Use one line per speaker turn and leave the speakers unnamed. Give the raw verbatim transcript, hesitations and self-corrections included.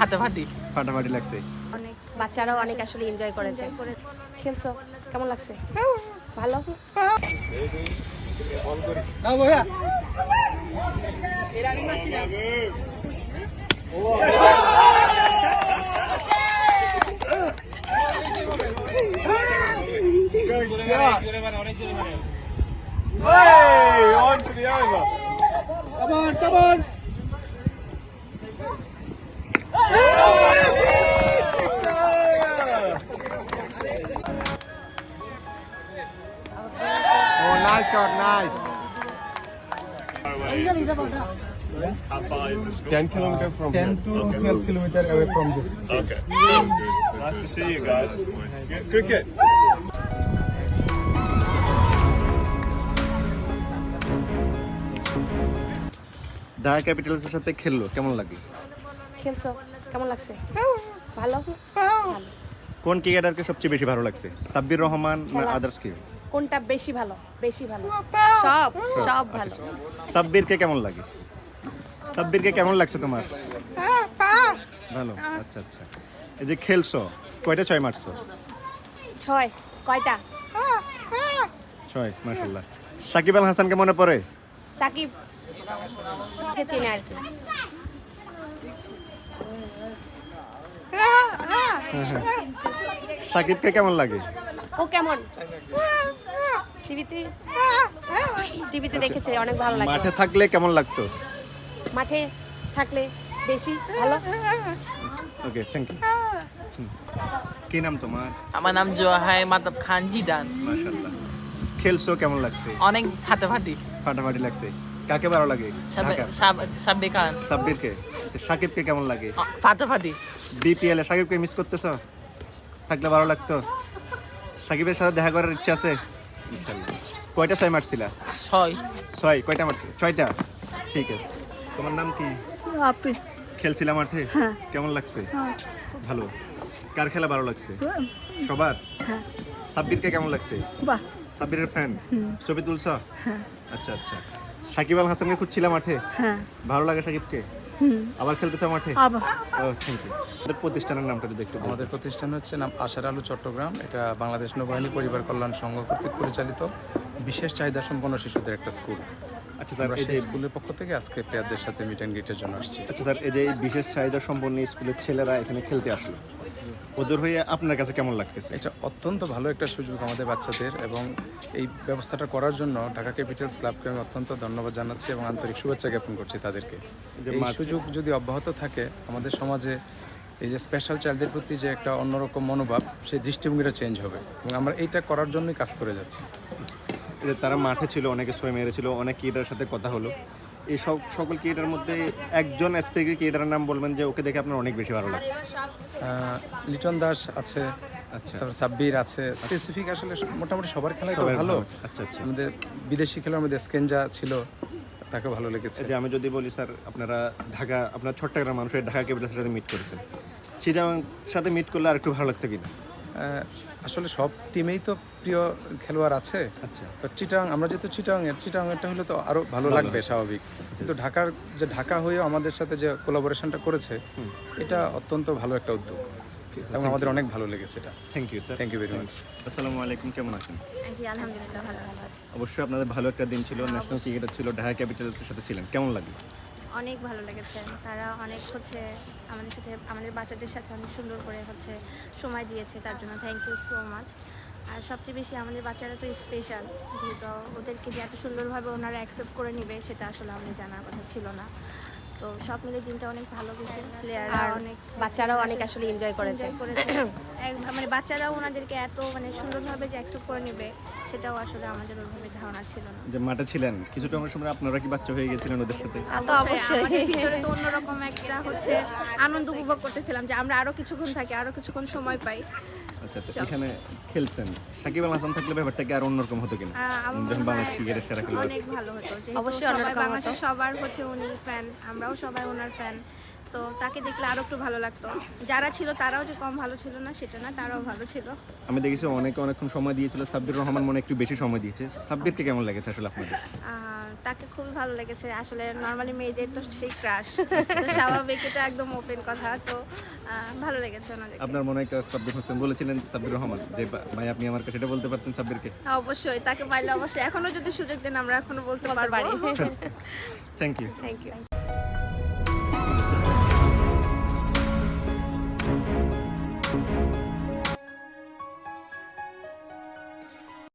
ফাটাফাটি
ফাটাফাটি লাগছে।
অনেক বাচ্চারাও অনেক আসলে এনজয় করেছে। খেলছো কেমন লাগছে? ভালো।
Hey, on to the over. Come on, come on. Oh, nice shot, nice.
How far is the school?
ten kilometer from
ten
here.
to
Okay.
twelve kilometer away from this.
Okay. Nice to see you guys. Good cricket.
Dhaka ক্যাপিটালসের সাথে খেললো, কেমন লাগে?
খেলছো কেমন লাগছে? ভালো। ভালো।
কোন ক্রিকেটারকে সবচেয়ে বেশি ভালো লাগছে, সাব্বির রহমান না
খেলা।
আদার্স কেউ?
কোনটা বেশি ভালো? বেশি ভালো। সব সব ভালো।
সাব্বিরকে কেমন লাগে? সাব্বিরকে কেমন লাগছে তোমার? ভালো। আচ্ছা আচ্ছা। এই যে খেলছো, কয়টা ছয় মারছো?
ছয়। কয়টা?
ছয়, মাশাআল্লাহ। সাকিব আল হাসানকে মনে পড়ে?
সাকিব কে চিনে আর কি।
সাকিবকে কেমন লাগে?
ও কেমন? টিভিতে টিভিতে দেখেছে, অনেক ভালো লাগে।
মাঠে থাকলে কেমন লাগতো?
মাঠে থাকলে বেশি ভালো।
Okay, thank you. কি নাম তোমার?
আমার নাম জোহাই মাতাব খান জিদান।
মাশাআল্লাহ। খেলছো, কেমন লাগছে?
অনেক ফাটাফাটি
ফাটাফাটি লাগছে। কাকে ভালো লাগে? ঢাকা।
সাব্বির খান
সাব্বিরকে। আচ্ছা, সাকিবকে কেমন লাগে?
ফাটাফাটি
বিপিএল এ সাকিবকে মিস করতেছ? থাকলে ভালো লাগতো। সাকিবের সাথে দেখা করার ইচ্ছা আছে ইনশাআল্লাহ। কয়টা ছয় মারছিলা?
ছয়
ছয়। কয়টা মারছিল? ছয়টা। ঠিক আছে। তোমার নাম কি?
আপি।
খেলছিলা মাঠে? কেমন লাগছে? ভালো। কার খেলা ভালো লাগছে? সবার। সাব্বিরকে কেমন লাগছে?
বাহ।
সাব্বিরের ফ্যান? ছবি তুলছ? আচ্ছা আচ্ছা। সাকিব আল হাসানকে খুঁজছিলা মাঠে?
হ্যাঁ।
ভালো লাগে সাকিবকে? আবার খেলতে চাও মাঠে?
আবার।
ও, থ্যাংক ইউ। আমাদের প্রতিষ্ঠানের নামটা যদি একটু বলতেন।
আমাদের প্রতিষ্ঠান হচ্ছে নাম আশার আলো চট্টগ্রাম। এটা বাংলাদেশ নৌবাহিনী পরিবার কল্যাণ সংঘ কর্তৃক পরিচালিত বিশেষ চাহিদা সম্পন্ন শিশুদের একটা স্কুল।
আচ্ছা স্যার,
আমরা
এই
সেই
যে
স্কুলের পক্ষ থেকে আজকে প্লেয়ারদের সাথে মিট অ্যান্ড গ্রিটের জন্য আসছি।
আচ্ছা স্যার, এই যে এই বিশেষ চাহিদা সম্পন্ন স্কুলের ছেলেরা এখানে খেলতে আসলো, ওদের হয়ে আপনার কাছে কেমন লাগতেছে?
এটা অত্যন্ত ভালো একটা সুযোগ আমাদের বাচ্চাদের, এবং এই ব্যবস্থাটা করার জন্য ঢাকা ক্যাপিটালস ক্লাবকে আমি অত্যন্ত ধন্যবাদ জানাচ্ছি এবং আন্তরিক শুভেচ্ছা জ্ঞাপন করছি তাদেরকে।
যে
এই
মাঠ-
সুযোগ যদি অব্যাহত থাকে, আমাদের সমাজে এই যে স্পেশাল চাইল্ডদের প্রতি যে একটা অন্যরকম মনোভাব, সেই দৃষ্টিভঙ্গিটা চেঞ্জ হবে, এবং আমরা এইটা করার জন্যই কাজ করে যাচ্ছি।
এই যে তারা মাঠে ছিল, অনেকে ছয় মেরেছিল, অনেক ক্রিকেটারের সাথে কথা হলো, এই সব সকল ক্রিকেটারের মধ্যে একজন স্পেসিফিক ক্রিকেটারের নাম বলবেন যে ওকে দেখে আপনার অনেক বেশি ভালো লাগছে?
আহ, লিটন দাস আছে,
আচ্ছা।
তারপর সাব্বির আছে। স্পেসিফিক আসলে মোটামুটি সবার খেলাই তো
সবাই
ভালো।
ভালো। আচ্ছা, আচ্ছা।
আমাদের বিদেশি খেলোয়াড় আমাদের স্কেঞ্জা ছিল, তাকে ভালো লেগেছে।
এই যে আমি যদি বলি স্যার, আপনারা ঢাকা, আপনার চট্টগ্রাম মানুষের ঢাকা ক্যাপিটালসের সাথে মিট করেছেন, চিটাং সাথে মিট করলে আর একটু ভালো লাগতো কিনা?
আহ, আসলে সব টিমেই তো প্রিয় খেলোয়াড় আছে।
আচ্ছা।
তো চিটাং, আমরা যেহেতু চিটাং এর চিটাং এরটা হলে তো আরো ভালো লাগবে স্বাভাবিক, কিন্তু ঢাকার যে ঢাকা হয়েও আমাদের সাথে যে কোলাবোরেশনটা করেছে, এটা অত্যন্ত ভালো একটা উদ্যোগ এবং আমাদের অনেক ভালো লেগেছে এটা।
Thank you sir.
Thank you very much.
আসসালামু আলাইকুম, কেমন আছেন?
জি আলহামদুলিল্লাহ ভালো ভালো আছি।
অবশ্যই আপনাদের ভালো একটা দিন ছিল, ন্যাশনাল ক্রিকেটার ছিল, ঢাকা ক্যাপিটালসের সাথে ছিলেন, কেমন লাগলো?
অনেক ভালো লেগেছে। তারা অনেক হচ্ছে আমাদের সাথে, আমাদের বাচ্চাদের সাথে অনেক সুন্দর করে হচ্ছে সময় দিয়েছে, তার জন্য থ্যাংক ইউ সো মাচ। আর সবচেয়ে বেশি আমাদের বাচ্চারা তো স্পেশাল, যেহেতু ওদেরকে যে এত সুন্দরভাবে ওনারা অ্যাকসেপ্ট করে নেবে সেটা আসলে আমাদের জানার কথা ছিল না। তো সব মিলে দিনটা অনেক ভালো গেছে। প্লেয়াররা
আর
অনেক
বাচ্চারাও অনেক আসলে এনজয় করেছে।
enjoy করেছে। এক- মানে বাচ্চারাও ওনাদেরকে এত মানে সুন্দরভাবে যে অ্যাকসেপ্ট করে নেবে সেটাও আসলে আমাদের ওইভাবে ধারণা ছিল না।
যে মাঠে ছিলেন কিছুটা আমার সময়, আপনারা কি বাচ্চা হয়ে গেছিলেন ওদের সাথে?
তো অবশ্যই।
আমাদের ভিতরে তো অন্যরকম একটা হচ্ছে আনন্দ উপভোগ করতেছিলাম যে আমরা আরো কিছুক্ষণ থাকি, আরো কিছুক্ষণ সময় পাই।
আচ্ছা আচ্ছা। এখানে খেলছেন, সাকিব আল হাসান থাকলে ব্যাপারটা কি আর অন্যরকম হতো কিনা?
আহ, আমার
যখন
মনে
বাংলাদেশ
হয়
ক্রিকেটের সেরা খেলোয়াড়।
অনেক ভালো হতো, যেহেতু
অবশ্যই
সবাই
অন্যরকম
বাংলাদেশের
হতো।
সবার হচ্ছে উনি ফ্যান, আমরাও সবাই ওনার ফ্যান। তো তাকে দেখলে আরো একটু ভালো লাগতো। যারা ছিল তারাও যে কম ভালো ছিল না সেটা না, তারাও ভালো ছিল।
আমি দেখেছি অনেকে অনেকক্ষণ সময় দিয়েছিল, সাব্বির রহমান মনে হয় একটু বেশি সময় দিয়েছে। সাব্বিরকে কেমন লেগেছে আসলে আপনাদের?
আর তাকে খুবই ভালো লেগেছে আসলে নর্মালি মেয়েদের তো সেই ক্রাশ স্বাভাবিক, এটা একদম ওপেন কথা। তো আহ, ভালো লেগেছে ওনাদের।
আপনার মনে হয় একটা সাব্বির হোসেন বলেছিলেন সাব্বির রহমান যে বা- ভাই আপনি আমার কাছে এটা বলতে পারছেন সাব্বিরকে?
অবশ্যই তাকে পাইলে অবশ্যই এখনো যদি সুযোগ দেন আমরা এখনো বলতে
বলতে পারি।
পারবো।
Thank you.
Thank you.
Thank you.